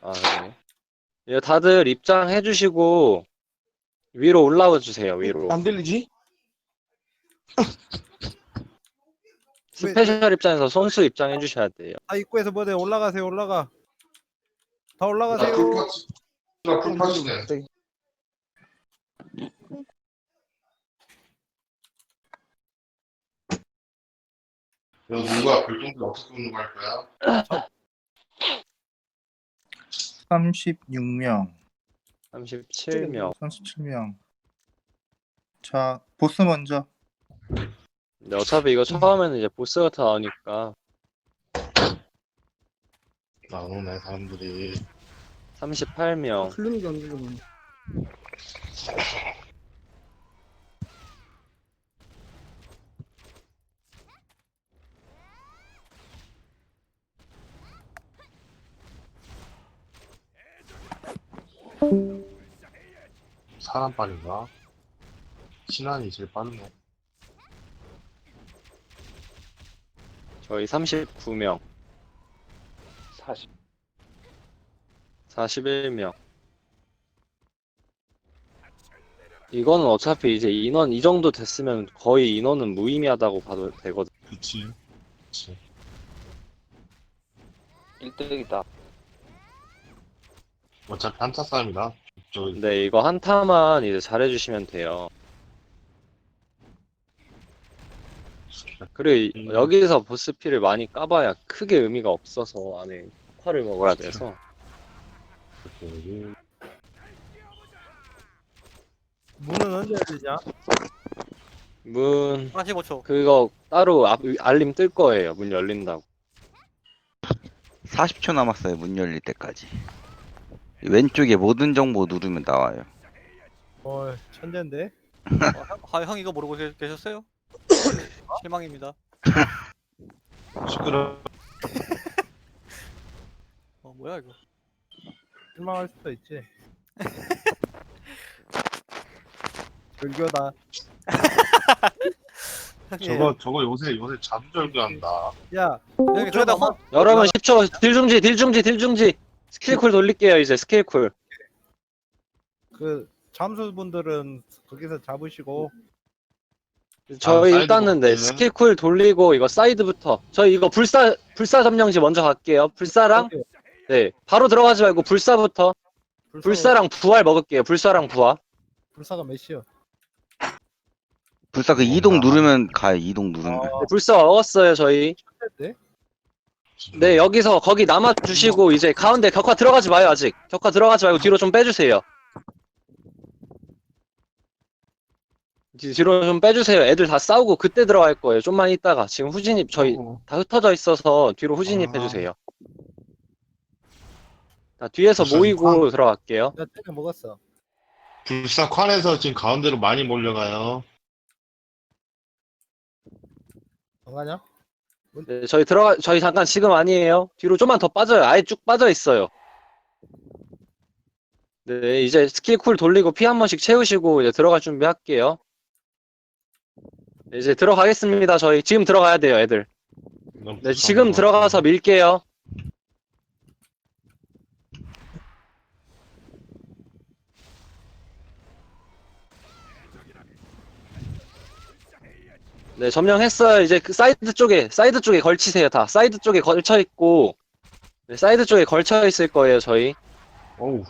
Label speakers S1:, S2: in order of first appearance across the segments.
S1: 아, 네. 예, 다들 입장해 주시고 위로 올라와 주세요. 위로.
S2: 안 들리지?
S3: 왜
S1: 스페셜 입장에서 선수 입장해 주셔야 돼요.
S3: 다 입구에서 뭐돼? 올라가세요. 올라가. 다
S2: 나
S3: 올라가세요.
S2: 풀파츠. 나 풀파츠네. 너 누가 별똥별 어떻게 웃는 거 할 거야?
S4: 36명,
S1: 37명.
S4: 37명. 자, 보스 먼저.
S1: 근데 어차피 이거 처음에는 이제 보스가 다 나오니까
S2: 나오네 사람들이.
S1: 38명.
S5: 클리닉이 안 들리고.
S2: 사람 빨인가? 신한이 제일 빠르네.
S1: 저희 39명. 41명. 이거는 어차피 이제 인원 이 정도 됐으면 거의 인원은 무의미하다고 봐도 되거든.
S2: 그치. 그치.
S6: 1등이다.
S2: 어차피 한타 싸움이다. 저
S1: 근데 이거 한타만 이제 잘해주시면 돼요. 그리고 여기서 보스피를 많이 까봐야 크게 의미가 없어서 안에 화를 먹어야 돼서.
S2: 여기
S3: 문은 언제 열리냐?
S1: 문
S7: 45초.
S1: 그거 따로 알림 뜰 거예요. 문 열린다고.
S6: 40초 남았어요. 문 열릴 때까지. 왼쪽에 모든 정보 누르면 나와요.
S3: 천재인데.
S7: 형 이거 모르고 계셨어요? 실망입니다.
S2: 시끄러.
S7: 뭐야 이거?
S3: 실망할 수도 있지. 절교다.
S2: 저거 요새 자두절교한다.
S3: 야,
S7: 형님 그러다 혼
S1: 여러분 10초 딜중지 스킬쿨 돌릴게요. 이제 스킬쿨.
S3: 그 잠수분들은 거기서 잡으시고
S1: 저희
S2: 사이드
S1: 일단은 네
S2: 먹기는?
S1: 스킬쿨 돌리고 이거 사이드부터 저희 이거 불사 점령지 먼저 갈게요. 불사랑 네 바로 들어가지 말고 불사부터 불사랑 부활 먹을게요. 불사랑 부활.
S3: 불사가 몇이요?
S6: 불사 그 이동 누르면 가요. 이동 누르면.
S1: 네, 불사 먹었어요 저희.
S3: 천재인데?
S1: 네 여기서 거기 남아 주시고 이제 가운데 격화 들어가지 마요 아직. 격화 들어가지 말고 뒤로 좀 빼주세요. 뒤로 좀 빼주세요. 애들 다 싸우고 그때 들어갈 거예요. 좀만 있다가 지금 후진입 저희 다 흩어져 있어서 뒤로 후진입 해주세요. 자, 뒤에서
S2: 무슨
S1: 모이고 들어갈게요.
S3: 나 때려 먹었어.
S2: 불사관에서 지금 가운데로 많이 몰려가요.
S3: 안 가냐?
S1: 네, 저희 잠깐 지금 아니에요. 뒤로 좀만 더 빠져요. 아예 쭉 빠져 있어요. 네, 이제 스킬 쿨 돌리고 피 한 번씩 채우시고 이제 들어갈 준비할게요. 네, 이제 들어가겠습니다. 저희 지금 들어가야 돼요, 애들. 네, 지금 들어가서 밀게요. 네, 점령했어요. 이제 그 사이드 쪽에 걸치세요, 다. 사이드 쪽에 걸쳐 있고, 네, 사이드 쪽에 걸쳐 있을 거예요, 저희.
S2: 어우.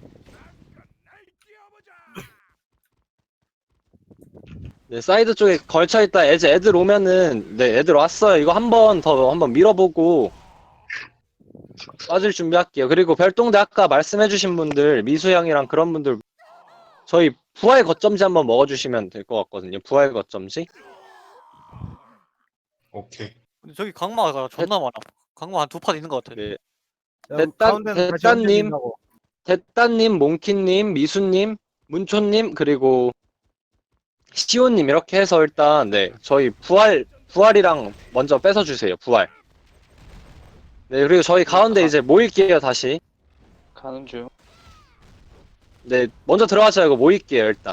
S1: 네, 사이드 쪽에 걸쳐 있다. 이제 애들 오면은, 네, 애들 왔어요. 이거 한번 밀어보고, 빠질 준비할게요. 그리고 별동대 아까 말씀해주신 분들, 미수 형이랑 그런 분들, 저희 부활 거점지 한번 먹어주시면 될 것 같거든요. 부활 거점지.
S2: 오케이.
S7: 근데 저기 강마가 존나 많아. 강마 한 두 판 있는 것 같아.
S1: 네.
S3: 야,
S1: 됐다-
S3: 가운데는 다시
S1: 됐다님.
S3: 얹어진다고.
S1: 대따님, 몽키님, 미수님, 문초님, 그리고 시오님 이렇게 해서 일단 네 저희 부활이랑 먼저 뺏어주세요. 부활. 네 그리고 저희 가운데 이제 모일게요 다시.
S6: 가는 중.
S1: 네 먼저 들어가지 말고 모일게요 일단.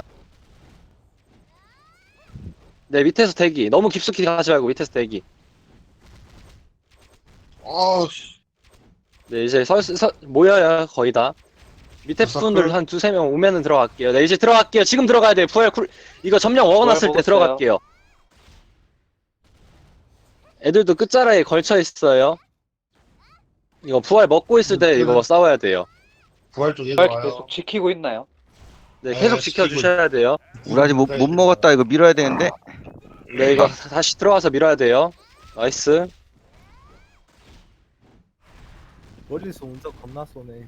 S1: 네 밑에서 대기. 너무 깊숙이 가지 말고 밑에서 대기.
S2: 아,
S1: 네, 이제 모여요, 거의 다. 밑에
S2: 서클.
S1: 분들 한 두세 명 오면은 들어갈게요. 네, 이제 들어갈게요. 지금 들어가야 돼요. 이거 점령 먹어놨을 때
S7: 먹었어요.
S1: 들어갈게요. 애들도 끝자락에 걸쳐 있어요. 이거 부활 먹고 있을 때 이거 싸워야 돼요.
S2: 부활 쪽에
S5: 부활
S2: 와요.
S5: 계속 지키고 있나요?
S1: 네,
S2: 네,
S1: 계속
S2: 지키고
S1: 지켜주셔야 돼요.
S6: 우리 아직 못 먹었다. 이거 밀어야 되는데.
S1: 네, 이거 다시 들어가서 밀어야 돼요. 나이스.
S3: 멀리서 운석 겁나 쏘네.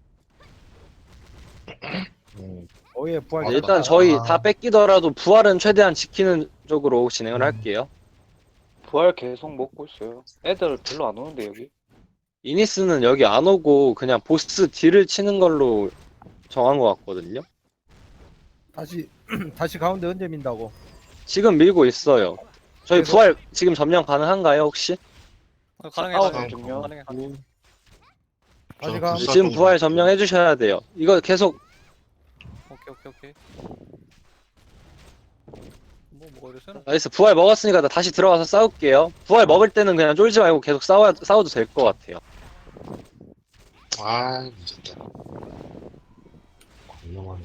S2: 음.
S3: 어예 부활.
S1: 네, 일단 저희
S2: 아.
S1: 다 뺏기더라도 부활은 최대한 지키는 쪽으로 진행을 할게요.
S5: 부활 계속 먹고 있어요. 애들 별로 안 오는데 여기.
S1: 이니스는 여기 안 오고 그냥 보스 딜을 치는 걸로 정한 것 같거든요.
S3: 다시 다시 가운데 언제 민다고?
S1: 지금 밀고 있어요. 저희
S3: 그래서-
S1: 부활 지금 점령 가능한가요, 혹시?
S7: 가능해
S5: 아홉
S7: 가능해
S5: 중요.
S7: 가능해.
S3: 다시
S2: 저
S3: 가.
S2: 불사
S1: 지금
S2: 좀-
S1: 부활 점령해 주셔야 돼요. 이거 계속
S7: 오케이. 뭐 먹어야 되나?
S1: 나이스. 부활 먹었으니까 나 다시 들어가서 싸울게요. 부활 먹을 때는 그냥 쫄지 말고 계속 싸워도 될 것 같아요.
S2: 아, 미쳤다. 건너가네.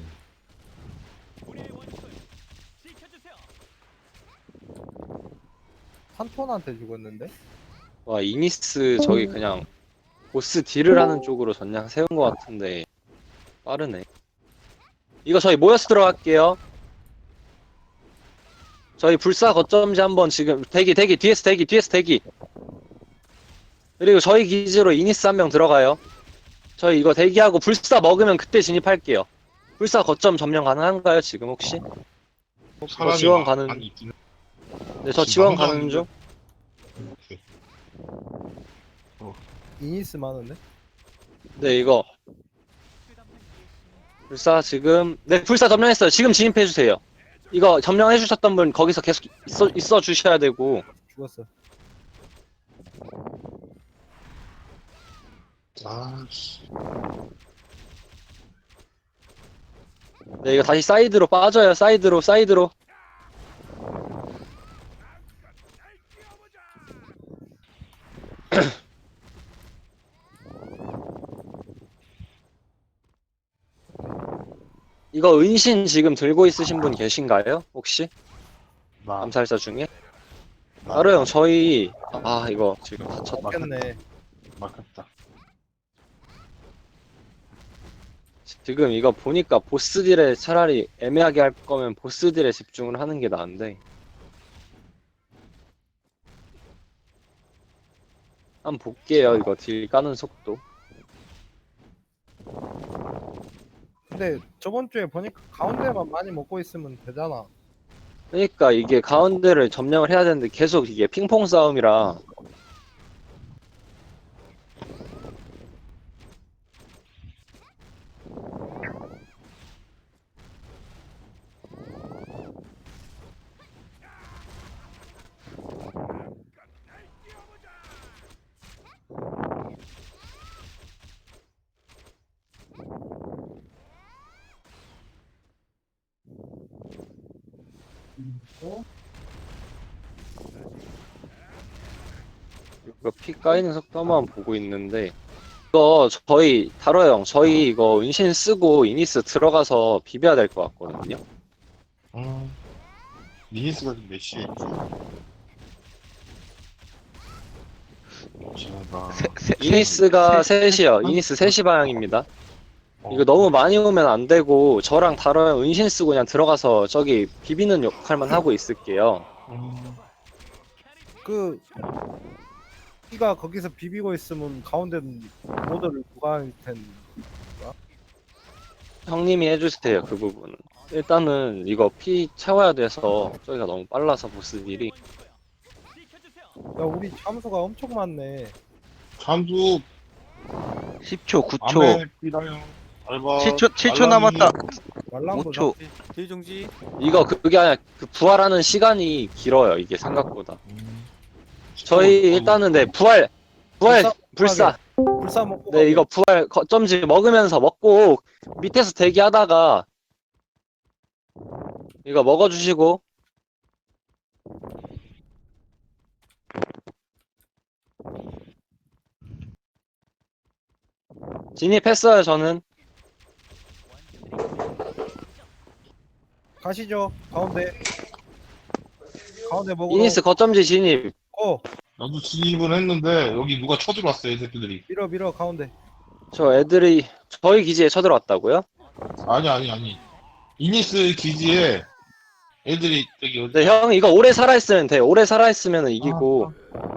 S3: 산톤한테 죽었는데?
S1: 와, 이니스 저기 그냥 보스 딜을 하는 쪽으로 전략 세운 것 같은데 빠르네. 이거 저희 모여서 들어갈게요. 저희 불사 거점지 한번 지금 뒤에서 대기. 그리고 저희 기지로 이니스 한 명 들어가요. 저희 이거 대기하고 불사 먹으면 그때 진입할게요. 불사 거점 점령 가능한가요, 지금 혹시?
S2: 사람이
S1: 지원
S2: 막
S1: 가는-
S2: 많이 있긴 해.
S1: 네, 저
S2: 지금
S1: 지원
S2: 방금
S1: 가는 중.
S3: 이니스 많은데?
S1: 네, 이거 불사 지금 불사 점령했어요. 지금 진입해 주세요. 이거 점령해 주셨던 분 거기서 계속 있어 주셔야 되고.
S3: 죽었어.
S2: 아, 씨.
S1: 네, 이거 다시 사이드로 빠져요. 사이드로. 이거 은신 지금 들고 있으신 분 계신가요? 혹시?
S2: 나,
S1: 암살자 중에?
S2: 나-
S1: 따로 형, 저희 이거 지금 다쳤다.
S3: 맞겠네.
S2: 막혔다.
S1: 지금 이거 보니까 보스 딜에 차라리 애매하게 할 거면 보스 딜에 집중을 하는 게 나은데. 한번 볼게요. 이거 딜 까는 속도.
S3: 근데 저번 주에 보니까 가운데만 많이 먹고 있으면 되잖아.
S1: 그러니까 이게 가운데를 점령을 해야 되는데 계속 이게 핑퐁 싸움이라. 이거 피 까이는 속도만 보고 있는데 이거 저희 다로 형 저희 이거 은신 쓰고 이니스 들어가서 비벼야 될 것 같거든요.
S2: 니니스가 지금 몇 시에 있지? 지나가.
S1: 이니스가 3시요. 이니스 3시 방향입니다. 이거 너무 많이 오면 안 되고 저랑 다로 형 은신 쓰고 그냥 들어가서 저기 비비는 역할만 하고 있을게요.
S3: 그 이가 거기서 비비고 있으면 가운데 모드를 누가 할 텐?
S1: 형님이 해주세요 그 부분은. 일단은 이거 피 채워야 돼서 저기가 너무 빨라서 보스들이.
S3: 야 우리 참수가 엄청 많네.
S2: 잠수
S6: 10초, 9초,
S2: 밤에 뛰다요. 알바.
S6: 7초 남았다.
S3: 말랑도
S6: 5초.
S7: 딜중지.
S1: 이거 그게 아니라 그 부활하는 시간이 길어요 이게 생각보다. 저희 일단은 부활 불사.
S3: 불사 먹고.
S1: 네 이거 부활 거점지 먹으면서 먹고 밑에서 대기하다가 이거 먹어주시고. 진입했어요, 저는.
S3: 가시죠. 가운데. 가운데 먹으러.
S1: 이니스 거점지 진입.
S2: 나도 진입은 했는데 여기 누가 쳐들어왔어 이 새끼들이.
S3: 밀어 가운데.
S1: 저 애들이 저희 기지에 쳐들어왔다고요?
S2: 아니. 이니스 기지에 애들이 저기 어디?
S1: 네, 형, 이거 오래 살아있으면 돼. 오래 살아있으면 이기고.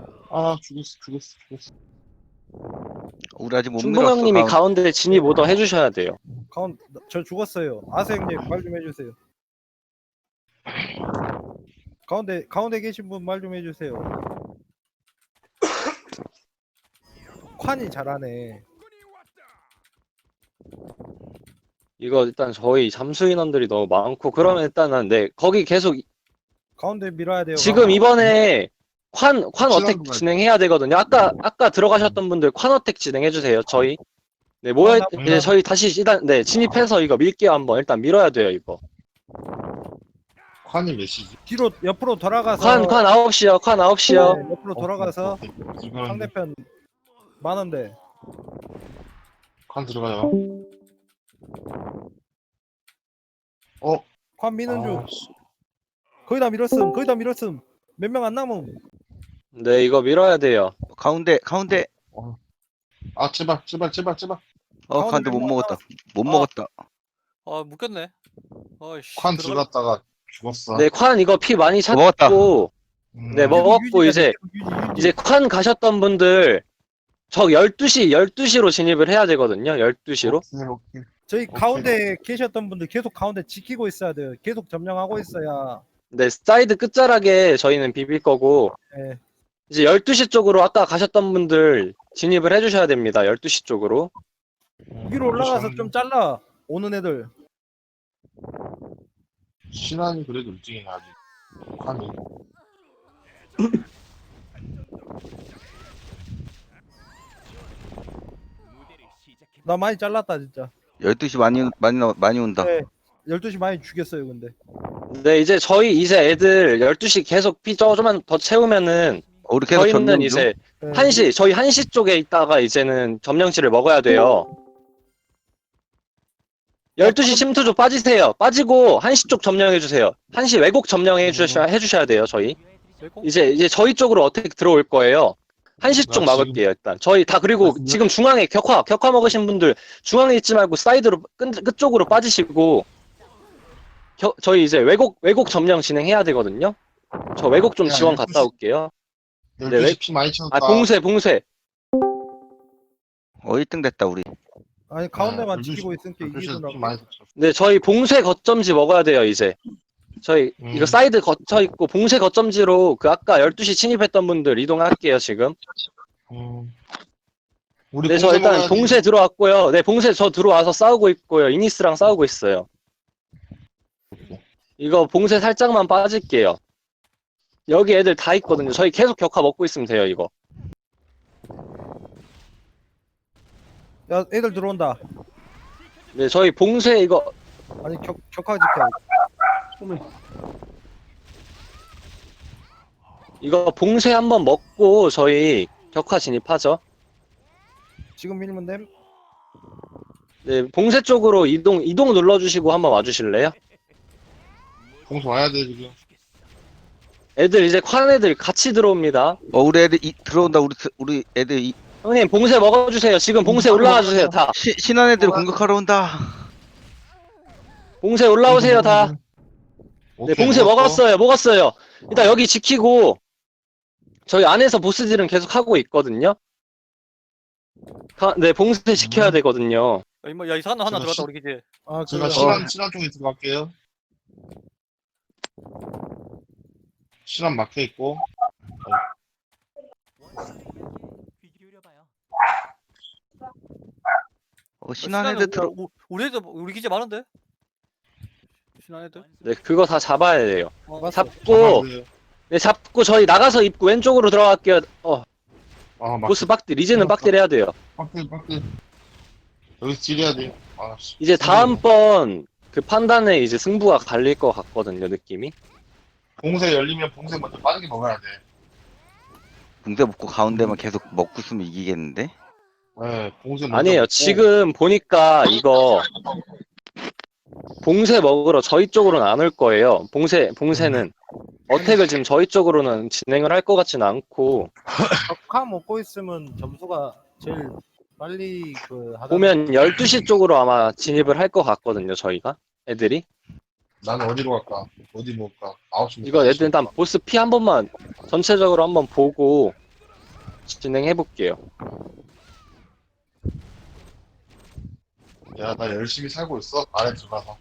S2: 죽었어.
S6: 우리 아직 못
S1: 중봉
S6: 밀었어.
S1: 형님이 가운데 진입 오더 해주셔야 돼요.
S3: 저 죽었어요. 아세 형님 말 좀 해주세요. 가운데 계신 분 말 좀 해주세요. 宽이 잘하네.
S1: 이거 일단 저희 잠수 인원들이 너무 많고, 그러면 일단은, 네, 거기 계속,
S3: 가운데 밀어야 돼요.
S1: 지금 이번에 관 어택
S2: 거야.
S1: 진행해야 되거든요. 아까 들어가셨던 분들 관 어택 진행해주세요, 저희. 네, 이제 저희 다시 네, 진입해서 이거 밀게요, 한번. 일단 밀어야 돼요, 이거.
S2: 칸이 몇이지?
S3: 뒤로 옆으로 돌아가서.
S1: 관 9시요, 관 9시요.
S3: 네, 옆으로 돌아가서
S2: 지금
S3: 상대편 많은데.
S2: 칸 들어가요.
S3: 관 미는 중.
S2: 씨.
S3: 거의 다 밀었음. 몇 명 안 남음.
S1: 네, 이거 밀어야 돼요.
S6: 가운데.
S2: 제발.
S6: 가운데 못 먹었다. 못
S7: 아.
S6: 먹었다.
S7: 아 묶였네. 아이씨.
S2: 칸 들어갔다가 죽었어.
S1: 네, 관 이거 피 많이
S6: 먹었다.
S1: 찼고, 네, 먹었고,
S3: 유지가
S1: 이제,
S3: 유지.
S1: 이제 관 가셨던 분들, 저 12시로 진입을 해야 되거든요, 12시로.
S2: 오케이.
S3: 저희 가운데 계셨던 분들 계속 가운데 지키고 있어야 돼요. 계속 점령하고 있어야.
S1: 네, 사이드 끝자락에 저희는 비빌 거고,
S3: 예.
S1: 이제 12시 쪽으로 아까 가셨던 분들 진입을 해주셔야 됩니다, 12시 쪽으로.
S3: 위로 올라가서 좀 잘라. 오는 애들.
S2: 신한이 그래도 일찍이네 아직. 칸이.
S3: 나 많이 잘랐다 진짜.
S6: 12시 많이 온다.
S3: 네. 12시 많이 죽였어요 근데.
S1: 네, 이제 이제 애들 12시 계속 피 조금만 더 채우면은,
S6: 우리 계속
S1: 저희는
S6: 점령 중.
S1: 이제
S3: 네.
S1: 1시, 저희 1시 쪽에 있다가 이제는 점령치를 먹어야 돼요. 12시 침투조 빠지세요. 빠지고 1시 쪽 점령해주세요. 1시 왜곡 해주셔야 돼요, 저희. 이제 저희 쪽으로 어떻게 들어올 거예요. 1시 쪽
S2: 나
S1: 막을게요, 일단. 저희 다, 그리고
S2: 지금-
S1: 지금 중앙에 격화 먹으신 분들 중앙에 있지 말고 사이드로, 끝쪽으로 빠지시고, 저희 이제 왜곡 점령 진행해야 되거든요. 저 왜곡 좀
S2: 야,
S1: 지원
S2: 12시
S1: 갔다 올게요.
S2: 12시 피 많이 채웠다.
S1: 봉쇄.
S6: 1등 됐다 우리.
S3: 아니 가운데만
S2: 12시
S3: 지키고 있으니까
S2: 12시 피
S3: 이기더라고.
S2: 많이 채웠어.
S1: 네, 저희 봉쇄 거점지 먹어야 돼요, 이제. 저희, 이거 사이드 거쳐 있고, 봉쇄 거점지로 그 아까 12시 침입했던 분들 이동할게요, 지금.
S2: 우리
S1: 네, 저
S2: 봉쇄
S1: 일단
S2: 먹어야지.
S1: 봉쇄 들어왔고요. 네, 봉쇄 저 들어와서 싸우고 있고요. 이니스랑 싸우고 있어요. 이거 봉쇄 살짝만 빠질게요. 여기 애들 다 있거든요. 저희 계속 격화 먹고 있으면 돼요, 이거.
S3: 야 애들 들어온다.
S1: 네, 저희 봉쇄 이거,
S3: 아니 격화 지켜.
S1: 이거 봉쇄 한번 먹고 저희 격화 진입하죠.
S3: 지금 밀면 됨.
S1: 네, 봉쇄 쪽으로 이동 눌러주시고 한번 와주실래요?
S2: 봉쇄 와야 돼 지금.
S1: 애들 이제 관 애들 같이 들어옵니다.
S6: 우리 애들 들어온다. 우리 애들
S1: 형님 봉쇄 먹어주세요. 지금 봉쇄 올라와 주세요, 다.
S6: 신한 애들 공격하러 온다.
S1: 봉쇄 올라오세요, 다. 네,
S2: 오케이,
S1: 봉쇄
S2: 먹었어.
S1: 먹었어요. 일단 여기 지키고 저희 안에서 보스들은 계속 하고 있거든요. 네, 봉쇄 지켜야 되거든요.
S7: 야 이상한 놈 하나
S2: 제가
S7: 들어갔다 우리 기지.
S3: 아
S2: 제가
S3: 그래.
S2: 신한 쪽에 들어갈게요. 신한 막혀 있고.
S6: 신한 애들 들어.
S7: 우리 애들 우리 기지 많은데. 신한 애들.
S1: 네, 그거 다 잡아야 돼요.
S7: 어,
S1: 잡고, 네, 잡고 저희 나가서 입구 왼쪽으로 들어갈게요. 보스 빡딜, 이제는 빡딜 해야 돼요.
S2: 빡대. 여기서 딜해야 돼. 씨.
S1: 이제 다음번 그 판단에 이제 승부가 갈릴 것 같거든요, 느낌이.
S2: 봉쇄 열리면 봉쇄 먼저 빠르게 먹어야 돼.
S6: 붕대 먹고 가운데만 계속 먹고 있으면 이기겠는데?
S2: 네, 봉쇄 먼저
S1: 아니에요.
S2: 먹고.
S1: 지금 보니까 이거 봉쇄 먹으러 저희 쪽으로는 안 올 거예요. 봉쇄는 어택을 지금 저희 쪽으로는 진행을 할 것 같지는 않고
S3: 격화 먹고 있으면 점수가 제일 빨리 그 하다
S1: 보면 12시 쪽으로 아마 진입을 할 것 같거든요. 저희가 애들이
S2: 나는 어디로 갈까? 어디 먹을까? 9시
S1: 이거 애들 일단 보스 피 한 번만 전체적으로 한번 보고 진행해 볼게요.
S2: 야, 나 열심히 살고 있어. 안에 들어가서.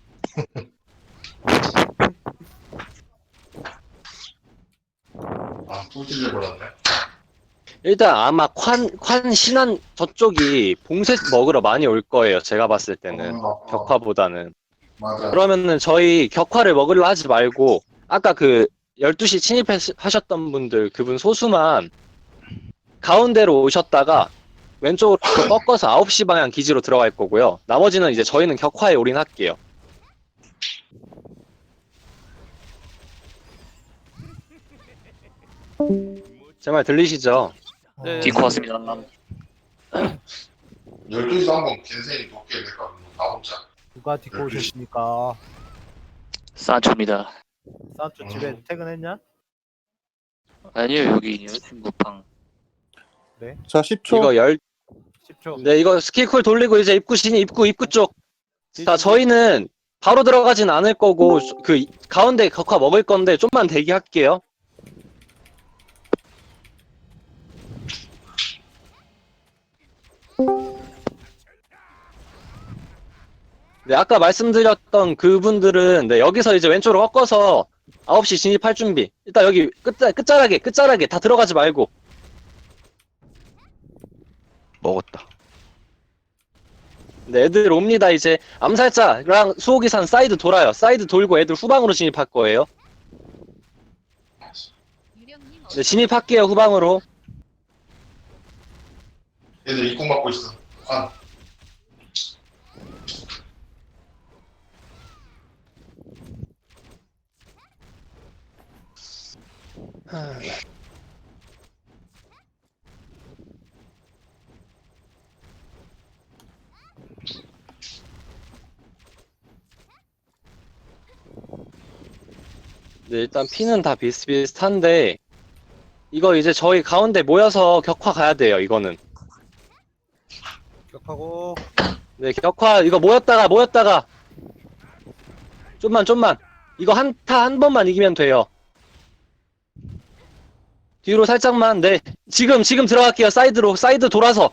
S2: 아, 또 찔려버렸네.
S1: 일단 아마 관 신안 저쪽이 봉쇄 먹으러 많이 올 거예요. 제가 봤을 때는 격화보다는.
S2: 맞아.
S1: 그러면은 저희 격화를 먹으려 하지 말고 아까 그 12시 침입하셨던 분들 그분 소수만 가운데로 오셨다가 왼쪽으로 꺾어서 9시 방향 기지로 들어갈 거고요. 나머지는 이제 저희는 격화에 올인할게요. 제 말 들리시죠?
S7: 네.
S8: 디코 왔습니다.
S2: 12시도 한번 겐세이 돕게 될까? 나 혼자.
S3: 누가 딛고 오셨습니까?
S8: 산초입니다.
S3: 산초 집에 퇴근했냐?
S8: 아니요, 여기 여자친구방.
S4: 자 10초.
S1: 이거
S3: 10초.
S1: 네, 이거 스킬쿨 돌리고 이제 입구 쪽. 자, 저희는 바로 들어가진 않을 거고 그 가운데 격화 먹을 건데 좀만 대기할게요. 네, 아까 말씀드렸던 그분들은 네, 여기서 이제 왼쪽으로 꺾어서 9시 진입할 준비. 일단 여기 끝자락에 다 들어가지 말고.
S6: 먹었다.
S1: 네, 애들 옵니다. 이제 암살자랑 수호기산 사이드 돌아요. 사이드 돌고 애들 후방으로 진입할 거예요. 네, 진입할게요. 후방으로.
S2: 얘들 입고 막고 있어. 관.
S1: 네, 일단 피는 다 비슷비슷한데 이거 이제 저희 가운데 모여서 격화 가야 돼요. 이거는.
S3: 격하고
S1: 네, 격화 이거 모였다가 좀만 이거 한타 한 번만 이기면 돼요. 뒤로 살짝만. 네, 지금 들어갈게요. 사이드 돌아서.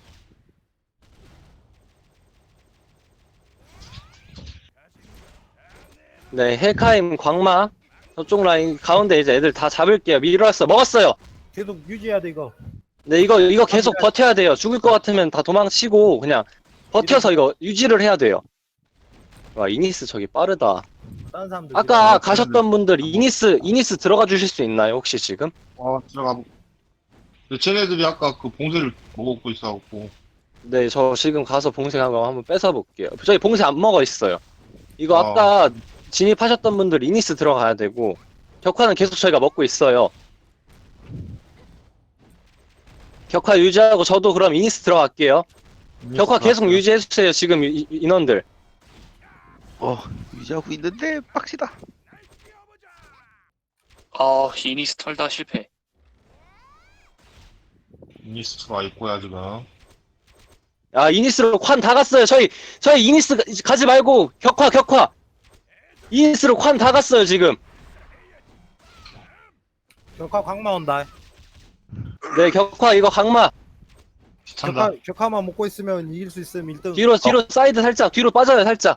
S1: 네, 헬카임 광마 저쪽 라인 가운데 이제 애들 다 잡을게요. 밀어왔어. 먹었어요.
S3: 계속 유지해야 돼 이거.
S1: 네, 이거 계속 버텨야 돼요. 죽을 것 같으면 다 도망치고 그냥 버텨서 이거 유지를 해야 돼요. 와, 이니스 저기 빠르다.
S3: 다른 사람들
S1: 아까 가셨던 분들 이니스 들어가 주실 수 있나요? 혹시 지금?
S2: 들어가. 근데 쟤네들이 아까 그 봉쇄를 먹고 있어갖고.
S1: 네, 저 지금 가서 봉쇄하고 한번 뺏어 볼게요. 저희 봉쇄 안 먹어 있어요. 이거 아까 진입하셨던 분들 이니스 들어가야 되고 격화는 계속 저희가 먹고 있어요. 격화 유지하고 저도 그럼 이니스 들어갈게요. 격화 계속 유지해주세요. 지금 인원들.
S6: 유지하고 있는데 빡시다.
S8: 이니스 털다 실패.
S2: 이니스트가 있고야 지금.
S1: 아, 이니스로 관 다 갔어요. 저희 이니스 가지 말고 격화. 이니스로 관 다 갔어요, 지금.
S3: 격하 광마 온다.
S1: 네, 격화 이거 강마.
S2: 찬다.
S3: 격하만 먹고 있으면 이길 수 있으면 1등.
S1: 뒤로 사이드 살짝 뒤로 빠져요, 살짝.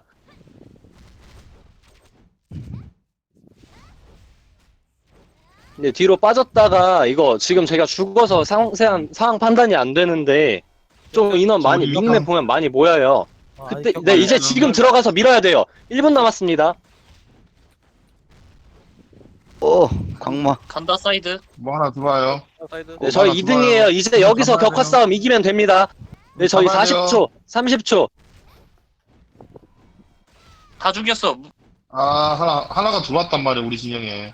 S1: 네, 뒤로 빠졌다가 이거 지금 제가 죽어서 상황 판단이 안 되는데 좀 인원 많이 닉네 보면 많이 모여요. 그때 네, 이제 지금 들어가서 밀어야 돼요. 1분 남았습니다.
S6: 광마.
S8: 간다 사이드.
S2: 뭐 하나 들어와요.
S7: 사이드.
S1: 네, 저희
S2: 많아,
S1: 2등이에요. 이제 여기서 격화 싸움 이기면 됩니다. 네, 저희
S2: 잡아야 돼요.
S1: 40초, 30초.
S8: 다 죽였어.
S2: 하나가 들어왔단 말이야, 우리 진영에.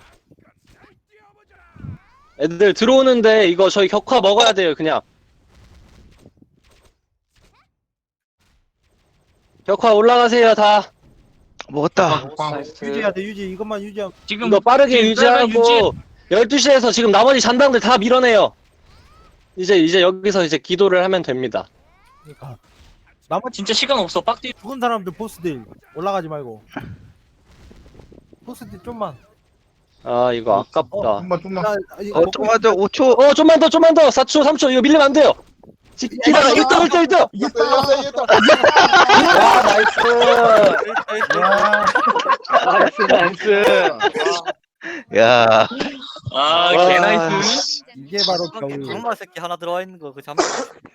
S1: 애들 들어오는데 이거 저희 격화 먹어야 돼요, 그냥. 벽화 올라가세요 다.
S6: 먹었다.
S3: 유지해야 돼 유지. 이것만 유지하면.
S8: 지금
S1: 이거 빠르게
S8: 지금
S1: 유지하고 12시에서 지금 나머지 잔당들 다 밀어내요. 이제 여기서 이제 기도를 하면 됩니다.
S3: 그러니까 나머지
S8: 진짜 시간 없어. 빡디.
S3: 죽은 사람들 보스들 올라가지 말고. 보스들 좀만.
S1: 아 이거 아깝다.
S2: 좀만.
S3: 야, 이거
S6: 좀만 더 5초.
S1: 좀만 더 4초 3초 이거 밀리면 안 돼요. 기다려 1등.
S2: 이겼다.
S1: 와 나이스.
S5: 나이스.
S6: 야,
S8: 아,
S1: 와,
S8: 개나이스.
S3: 이게 바로 겨울.
S7: 강마 새끼 하나 들어와 있는 거 그 잠깐.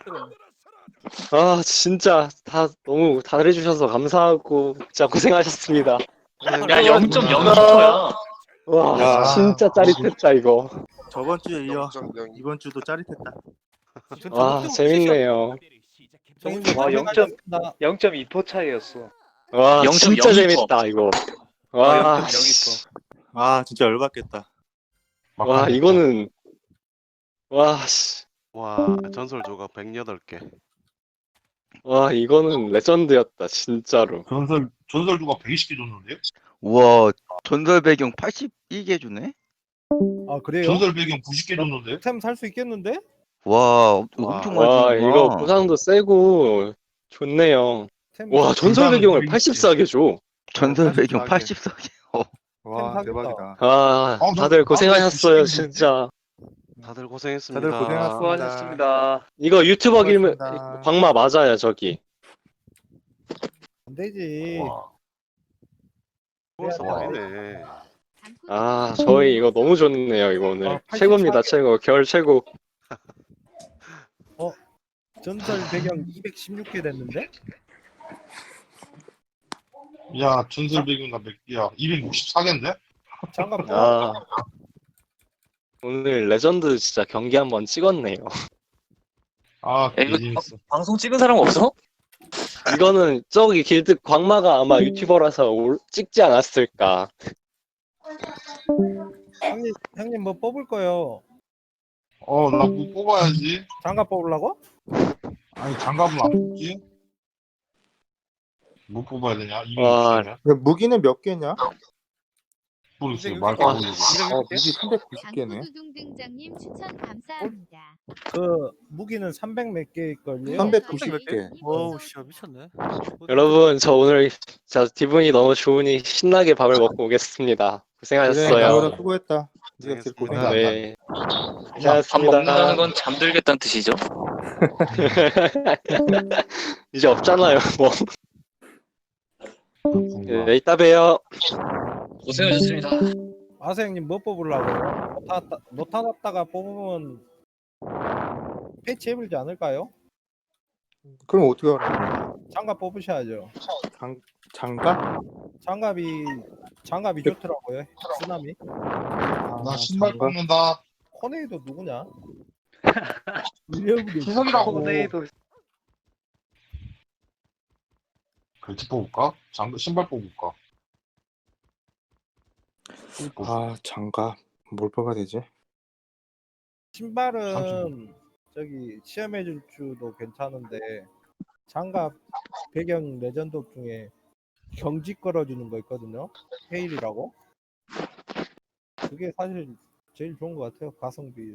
S1: 아 진짜 다 너무 잘해주셔서 감사하고 진짜 고생하셨습니다.
S8: 야, 0.0초야.
S1: 와
S4: 야.
S1: 진짜 짜릿했다 이거.
S4: 저번 주에 이어 이번 주도 짜릿했다.
S1: 와 재밌네요.
S5: 와, 0.2% 차이였어.
S1: 와
S8: 0.02%.
S1: 진짜 재밌다 이거. 와,
S5: 0.02%.
S4: 아 진짜 열받겠다.
S1: 와 이거는 와 씨.
S9: 와, 전설 조각 108개.
S1: 와 이거는 레전드였다 진짜로.
S2: 전설 누가 120개 줬는데요?
S6: 우와, 전설 배경 82개 주네?
S3: 아 그래요?
S2: 전설 배경 90개 줬는데요?
S3: 템 살 수 있겠는데?
S6: 와, 엄청 많이
S1: 와
S6: 주는구나.
S1: 이거 보상도 세고 좋네요.
S3: 템
S1: 와 전설 배경을
S2: 보상은
S1: 84개 줘.
S6: 전설 배경
S4: 84 개.
S6: 84개.
S4: 와
S3: 사겠다.
S4: 대박이다.
S1: 아 다들 고생하셨어요 진짜.
S9: 다들 고생했습니다.
S4: 다들 고생하셨습니다.
S5: 수고하셨습니다.
S1: 이거 유튜버 길면
S4: 수고하셨습니다.
S1: 광마 맞아요 저기.
S3: 안 되지.
S9: 벌써 말이네.
S1: 아 저희 이거 너무 좋네요 이거 오늘.
S3: 아, 84
S1: 최고입니다 최고. 겨울 최고.
S3: 전설 배경 216개 됐는데?
S2: 야, 전설 배경가 몇 개야? 264개인데?
S3: 장갑
S1: 아 오늘 레전드 진짜 경기 한번 찍었네요.
S2: 아,
S8: 야, 이거
S2: 재밌어.
S8: 방송 찍은 사람 없어?
S1: 이거는 저기 길드 광마가 아마 유튜버라서 찍지 않았을까.
S3: 형님 뭐 뽑을 거요?
S2: 나 뭐 뽑아야지.
S3: 장갑 뽑으려고?
S2: 아니, 장갑은 안 뽑지? 뭐 뽑아야 되냐?
S1: 와.
S2: 260개면?
S4: 무기는 몇 개냐?
S2: 모르겠어요.
S7: 이제
S2: 말도
S1: 와.
S2: 안 모르겠어.
S4: 무기 390개네.
S10: 장구두둥 등장님 추천 감사합니다.
S3: 그 무기는 300 몇 개일걸요?
S4: 390개.
S7: 어우 씨 미쳤네.
S1: 여러분 저 오늘 자 기분이 너무 좋으니 신나게 밥을 먹고 오겠습니다.
S4: 그래,
S1: 고생하셨어요.
S4: 나보다 수고했다. 네가 제일 고생했다.
S1: 네.
S8: 밥 먹는다는
S1: 고생하셨습니다.
S8: 건 잠들겠다는 뜻이죠?
S1: 이제 없잖아요. 뭐. 네, 이따 봬요.
S8: 고생하셨습니다.
S3: 아세 형님 뭐 뽑으려고? 노타 났다가 뽑으면 패치 해불지 않을까요?
S4: 그럼 어떻게 하라?
S3: 장갑 뽑으셔야죠.
S4: 장갑?
S3: 장갑이 좋더라고요. 쓰나미.
S2: 나 신발
S4: 장갑?
S2: 뽑는다.
S3: 코네이도 누구냐?
S2: 희석이라고.
S5: 코네이도
S2: 벨트 뽑을까? 신발 뽑을까?
S4: 장갑. 뭘 뽑아야 되지?
S3: 신발은 저기 시험해줄 주도 괜찮은데 장갑 배경 레전드 중에 경직 걸어주는 거 있거든요. 헤일이라고. 그게 사실 제일 좋은 것 같아요. 가성비.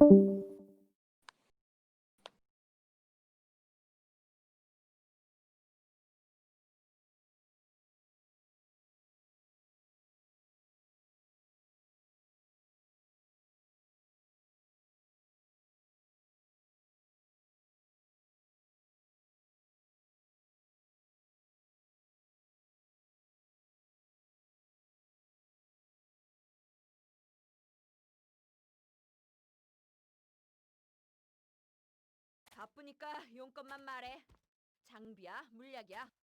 S10: 바쁘니까 용건만 말해. 장비야, 물약이야.